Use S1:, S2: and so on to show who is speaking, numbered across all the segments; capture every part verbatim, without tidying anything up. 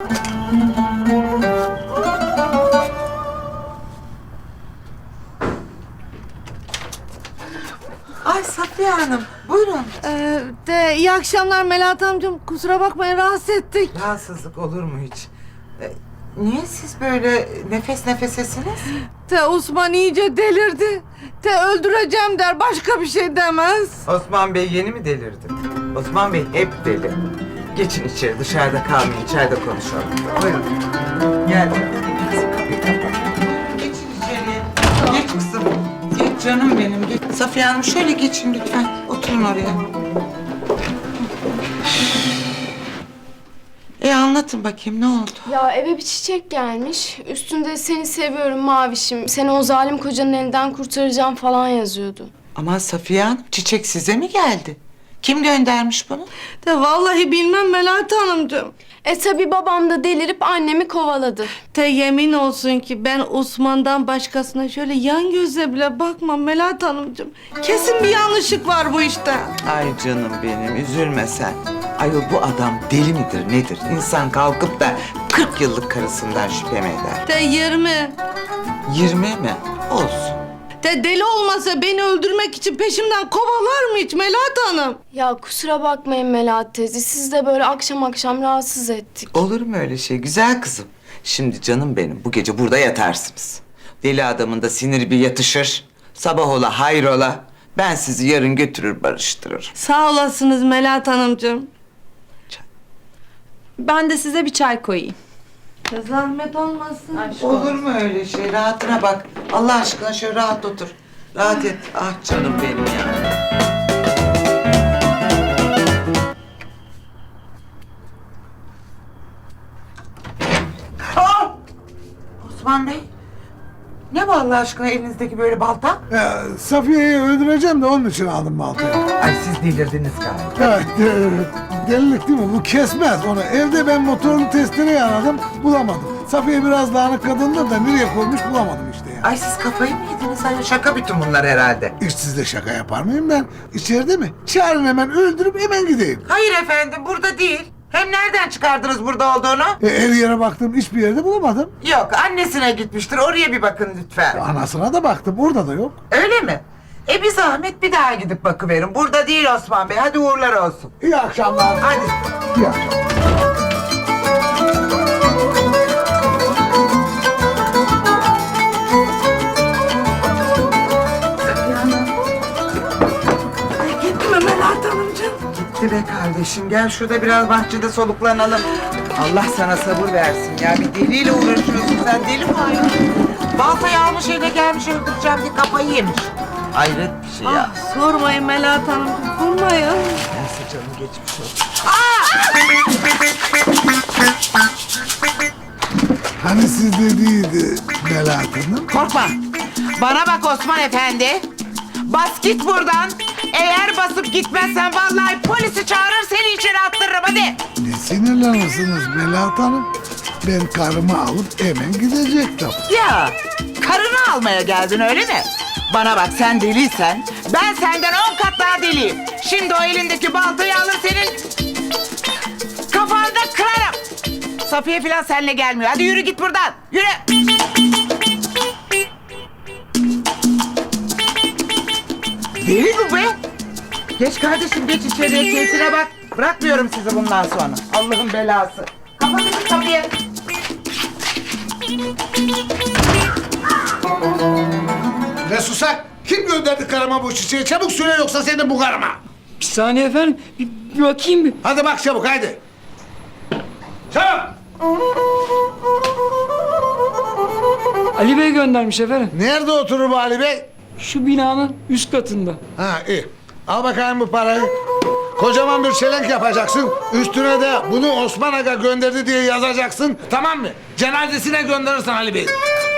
S1: Ay Safiye Hanım, buyurun.
S2: Ee, de iyi akşamlar Melahat amcam. Kusura bakmayın rahatsız ettik.
S1: Rahatsızlık olur mu hiç? Ee, niye siz böyle nefes nefesesiniz?
S2: De Osman iyice delirdi. De öldüreceğim der, başka bir şey demez.
S1: Osman Bey yeni mi delirdi? Osman Bey hep deli. Geçin içeri, dışarıda kalmayın, içeride konuşalım. Buyurun. Gel. Geçin içeri. Geç kızım. Geç canım benim. Geç. Safiye Hanım şöyle geçin lütfen. Oturun oraya. E anlatın bakayım ne oldu?
S3: Ya eve bir çiçek gelmiş. Üstünde seni seviyorum mavişim. Seni o zalim kocanın elinden kurtaracağım falan yazıyordu.
S1: Aman Safiye Hanım, çiçek size mi geldi? Kim göndermiş bunu?
S2: De vallahi bilmem Melahat hanımcığım.
S3: E tabi babam da delirip annemi kovaladı.
S2: De yemin olsun ki ben Osman'dan başkasına şöyle yan gözle bile bakmam Melahat hanımcığım. Kesin bir yanlışlık var bu işte.
S1: Ay canım benim, üzülme sen. Ayol bu adam deli midir nedir? İnsan kalkıp da kırk yıllık karısından şüphe mi eder?
S2: De yirmi.
S1: Yirmi mi? Olsun.
S2: De deli olmasa beni öldürmek için peşimden kovalar mı hiç Melahat hanım?
S3: Ya kusura bakmayın Melahat teyze. Siz de böyle akşam akşam rahatsız ettik.
S1: Olur mu öyle şey güzel kızım? Şimdi canım benim, bu gece burada yatarsınız. Deli adamın da siniri bir yatışır. Sabah ola hayrola. Ben sizi yarın götürür barıştırır.
S2: Sağ olasınız Melahat hanımcığım.
S4: Ben de size bir çay koyayım.
S2: Ya zahmet olmasın.
S1: Olur mu öyle şey? Rahatına bak. Allah aşkına şöyle rahat otur. Rahat et. Ah canım benim ya. Aa! Osman Bey. Ne bu Allah aşkına elinizdeki böyle balta?
S5: Ya, Safiye'yi öldüreceğim de onun için aldım baltayı.
S1: Ay siz delirdiniz galiba.
S5: Evet, e, delilik değil mi? Bu kesmez onu. Evde ben motorlu testereyi aradım, bulamadım. Safiye biraz dağınık kadındır da nereye koymuş bulamadım işte ya.
S1: Ay siz kafayı mı yediniz? Ay şaka bütün bunlar herhalde.
S5: Hiç sizle şaka yapar mıyım ben? İçeride mi? Çağırın hemen öldürüp hemen gideyim.
S1: Hayır efendim burada değil. Hem nereden çıkardınız burada olduğunu?
S5: E, her yere baktım, hiçbir yerde bulamadım.
S1: Yok annesine gitmiştir. Oraya bir bakın lütfen.
S5: Anasına da baktım, orada da yok.
S1: Öyle mi? E bir zahmet bir daha gidip bakıverin. Burada değil Osman Bey. Hadi uğurlar olsun.
S5: İyi akşamlar.
S1: Hadi.
S5: İyi akşamlar.
S2: Ay gitti mi Melahat hanımcığım?
S1: Gitti be kardeşim. Gel şurada biraz bahçede soluklanalım. Allah sana sabır versin ya. Bir deliyle uğraşıyorsun sen. Deli mi ayol? Baltayı almış eline gelmiş öldüreceğim diye kafayı yemiş. Hayret bir şey ya.
S2: Ah, sormayın Melahat hanımcığım, sormayın.
S1: Neyse canım geçmiş olsun.
S5: Hani siz dediydi Melahat Hanım?
S1: Korkma. Bana bak Osman Efendi. Bas git buradan. Eğer basıp gitmezsen vallahi polisi çağırır seni içeri attırırım hadi.
S5: Ne sinirlenirsiniz Melahat Hanım? Ben karımı alıp hemen gidecektim.
S1: Ya karını almaya geldin öyle mi? Bana bak sen deliysen ben senden on kat daha deliyim. Şimdi o elindeki baltayı alır senin kafanda kırarım. Safiye falan seninle gelmiyor. Hadi yürü git buradan. Yürü. Deli bu be. Geç kardeşim geç içeriye keyfine bak. Bırakmıyorum sizi bundan sonra. Allah'ın belası. Kapatın kapıyı.
S5: Ne susak? Kim gönderdi karıma bu çiçeği? Çabuk söyle yoksa senin bu karıma.
S6: Bir saniye efendim. Bir, bir bakayım bir.
S5: Hadi bak çabuk haydi. Çabuk.
S6: Ali Bey göndermiş efendim.
S5: Nerede oturur bu Ali Bey?
S6: Şu binanın üst katında.
S5: Ha iyi. Al bakayım bu parayı. Kocaman bir çelenk yapacaksın. Üstüne de bunu Osman Aga gönderdi diye yazacaksın. Tamam mı? Cenazesine gönderirsin Ali Bey.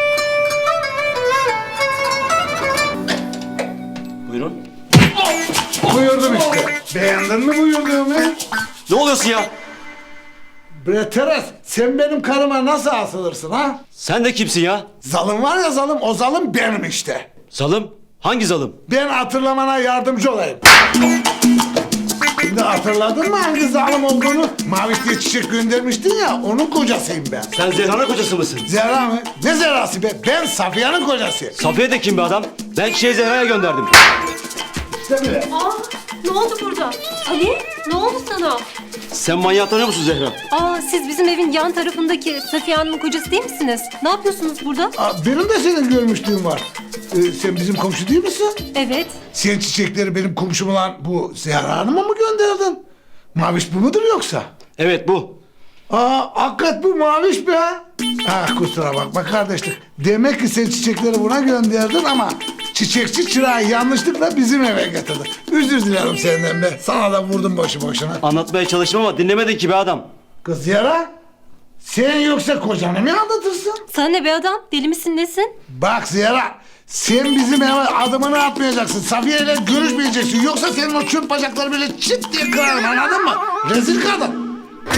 S7: Buyurun.
S5: Buyurdum işte. Beğendin mi buyurduğumu?
S7: Ne oluyorsun ya?
S5: Bre Teres, sen benim karıma nasıl asılırsın ha?
S7: Sen de kimsin ya?
S5: Zalım var ya zalım, o zalım benim işte.
S7: Zalım? Hangi zalım?
S5: Ben hatırlamana yardımcı olayım. Şimdi hatırladın mı hangi zalim olduğunu? Maviş diye çiçek göndermiştin ya, onun kocasıyım ben.
S7: Sen Zehra'nın kocası mısın?
S5: Zehra mı? Ne Zehra'sı be? Ben Safiye'nin kocasıyım.
S7: Safiye de kim be adam? Ben çiçeği Zehra'ya gönderdim.
S5: İşte bile.
S8: Aa, ne oldu burada? Ali, ne oldu sana?
S7: Sen manyağı tanıyor musun Zehra?
S8: Aa, siz bizim evin yan tarafındaki Safiye Hanım'ın kocası değil misiniz? Ne yapıyorsunuz burada?
S5: Aa, benim de senin görmüşlüğüm var. Ee, sen bizim komşu değil misin?
S8: Evet.
S5: Sen çiçekleri benim komşum olan bu Zehra Hanım'a mı gönderdin? Maviş bu mudur yoksa?
S7: Evet bu.
S5: Aa, hakikat bu Maviş be. Ah, kusura bakma kardeşlik. Demek ki sen çiçekleri buna gönderdin ama çiçekçi çırağı yanlışlıkla bizim eve getirdi. Özür dilerim senden be. Sana da vurdum boşu boşuna.
S7: Anlatmaya çalıştım ama dinlemedin ki be adam.
S5: Kız Zehra, sen yoksa kocanı mı anlatırsın?
S8: Sana ne be adam? Deli misin nesin?
S5: Bak Zehra, sen bizim eve adımını atmayacaksın. Safiye ile görüşmeyeceksin. Yoksa senin o çöp bacakları böyle çıt diye kırarım, anladın mı? Rezil kadın.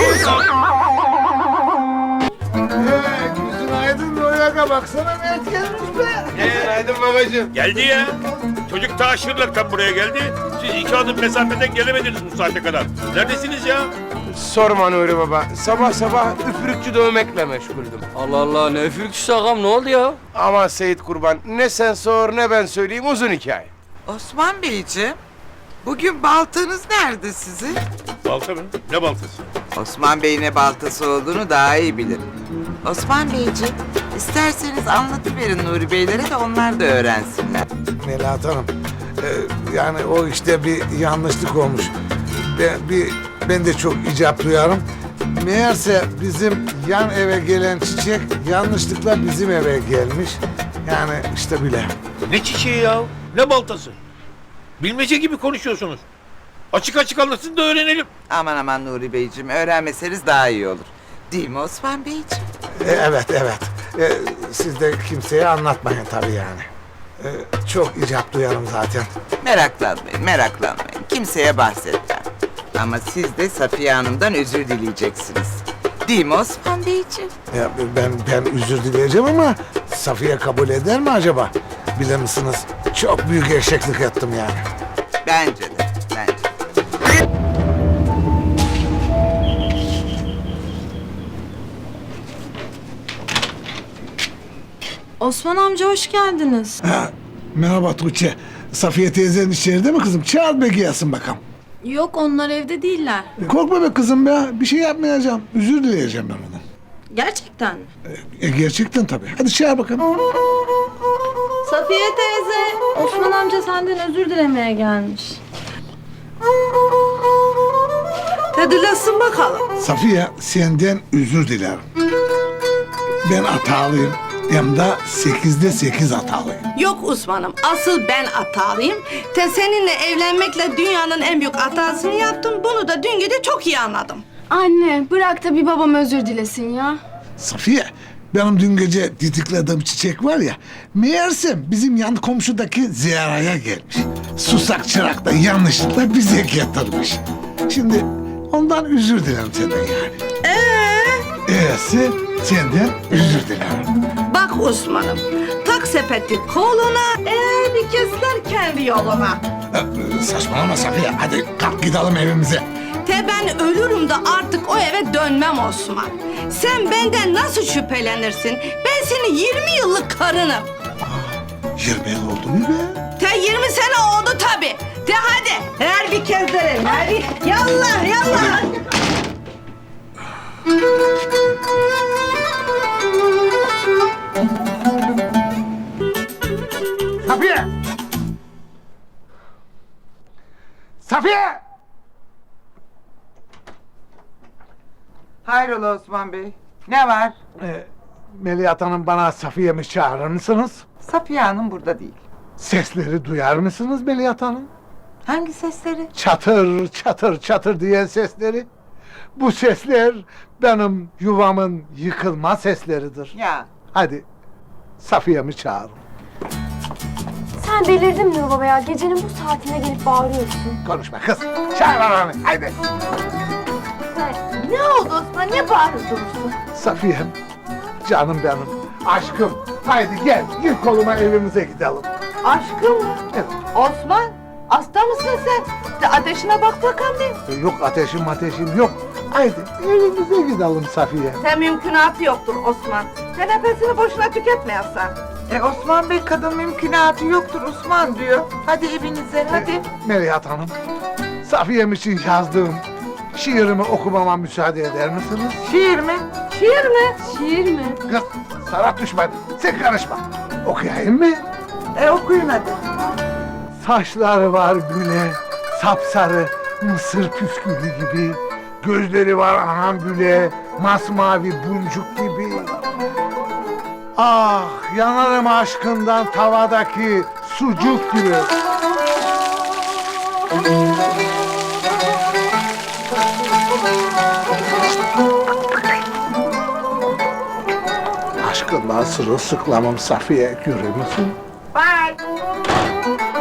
S5: Ee, gözün aydın Noyaka, baksana Mert gelmiş be.
S9: Günaydın babacığım. Geldi ya. Çocuk ta Şırnak'tan buraya geldi. Siz iki adım mesafeden gelemediniz bu saate kadar. Neredesiniz ya?
S10: Sorma Nuri Baba. Sabah sabah üfürükçü dövmekle meşguldüm.
S6: Allah Allah ne üfürükçüsü ağam ne oldu ya?
S10: Ama Seyit Kurban ne sen sor ne ben söyleyeyim uzun hikaye.
S1: Osman Beyciğim, bugün baltanız nerede sizin?
S9: Balta mı? Ne baltası?
S1: Osman Bey ne baltası olduğunu daha iyi bilir. Osman Beyciğim, isterseniz anlatıverin Nuri Beylere de onlar da öğrensinler.
S5: Melahat Hanım, e, yani o işte bir yanlışlık olmuş. Ben, bir, ben de çok icap duyarım. Meğerse bizim yan eve gelen çiçek yanlışlıkla bizim eve gelmiş. Yani işte bile.
S9: Ne çiçeği ya? Ne baltası? Bilmece gibi konuşuyorsunuz. Açık açık anlatın da öğrenelim.
S1: Aman aman Nuri Beyciğim, öğrenmeseniz daha iyi olur. Değil mi Osman Beyciğim?
S5: E, evet, evet. E, siz de kimseye anlatmayın tabii yani. E, çok icap duyarım zaten.
S1: Meraklanmayın, meraklanmayın. Kimseye bahsetmem. Ama siz de Safiye Hanım'dan özür dileyeceksiniz. Değil mi Osman Beyciğim?
S5: Ya ben ben özür dileyeceğim ama Safiye kabul eder mi acaba? Bilir misiniz? Çok büyük eşeklik ettim yani.
S1: Bence de, bence.
S4: Osman amca hoş geldiniz.
S5: Ha, merhaba Tuğçe. Safiye teyzenin içeride mi kızım? Çağır be gelsin bakalım.
S4: Yok onlar evde değiller.
S5: Korkma be kızım be. Bir şey yapmayacağım. Özür dileyeceğim ben ondan.
S4: Gerçekten mi?
S5: E, gerçekten tabii. Hadi çağır bakalım.
S4: Safiye teyze, Osman amca senden özür dilemeye gelmiş.
S2: Dedilesin bakalım.
S5: Safiye senden özür dilerim. Ben hatalıyım. Hem de sekizde sekiz hatalıyım.
S2: Yok Osman'ım, asıl ben hatalıyım. Te seninle evlenmekle dünyanın en büyük hatasını yaptım. Bunu da dün gece çok iyi anladım.
S3: Anne, bırak da bir babam özür dilesin ya.
S5: Safiye, benim dün gece didiklediğim çiçek var ya, meğersem bizim yan komşudaki Zehra'ya gelmiş. Susak çırak da yanlışlıkla bize getirmiş. Şimdi ondan özür dilerim senden yani.
S2: Ee?
S5: E'si senden özür dilerim.
S2: Bak Osman'ım, tak sepeti koluna, eğer bir kesler kendi yoluna.
S5: Ee, saçmalama Safiye, hadi kalk gidelim evimize.
S2: Te ben ölürüm de artık o eve dönmem Osman. Sen benden nasıl şüphelenirsin? Ben senin yirmi yıllık karınım.
S5: Yirmi yıl oldu mu be?
S2: Te yirmi sene oldu tabii. Te hadi, her bir kezderelim, hadi. Yallah, yallah.
S5: Safiye! Safiye!
S1: Hayrola Osman Bey? Ne var?
S5: Ee, Melihat Hanım bana Safiye'mi çağırır mısınız?
S1: Safiye Hanım burada değil.
S5: Sesleri duyar mısınız Melihat Hanım?
S1: Hangi sesleri?
S5: Çatır çatır çatır diyen sesleri. Bu sesler benim yuvamın yıkılma sesleridir.
S1: Ya.
S5: Hadi Safiye'mi çağırın.
S3: Sen delirdin mi baba ya? Gecenin bu saatine gelip bağırıyorsun.
S5: Konuşma kız. Çağır ananı. Haydi.
S3: Ne oldu Osman? Ne bağırıyorsun?
S5: Safiye'm. Canım benim. Aşkım. Haydi gel. Gir koluma evimize gidelim.
S1: Aşkım mı?
S5: Evet.
S1: Osman? Hasta mısın sen? De ateşine bak bakalım bir.
S5: E, Yok ateşim ateşim yok. Haydi evimize gidelim Safiye.
S2: Sen mümkünatı yoktur Osman. Sen nefesini boşuna tüketmeyesin.
S1: E Osman Bey kadın mümkünatı yoktur Osman diyor. Hadi evinize hadi.
S5: Melihat Hanım, Safiye'm için yazdığım şiirimi okumama müsaade eder misiniz?
S1: Şiir mi?
S2: Şiir mi?
S8: Şiir mi?
S5: Kız, Serhat düşman, sen karışma. Okuyayım mı?
S1: E okuyun hadi.
S5: Saçları var güle, sapsarı, mısır püskülü gibi. Gözleri var anam güle, masmavi buncuk gibi. Ah, yanarım aşkından tavadaki sucuk gibi. Aşkından sırılsıklamım Safiye, görür müsün?
S1: Bye.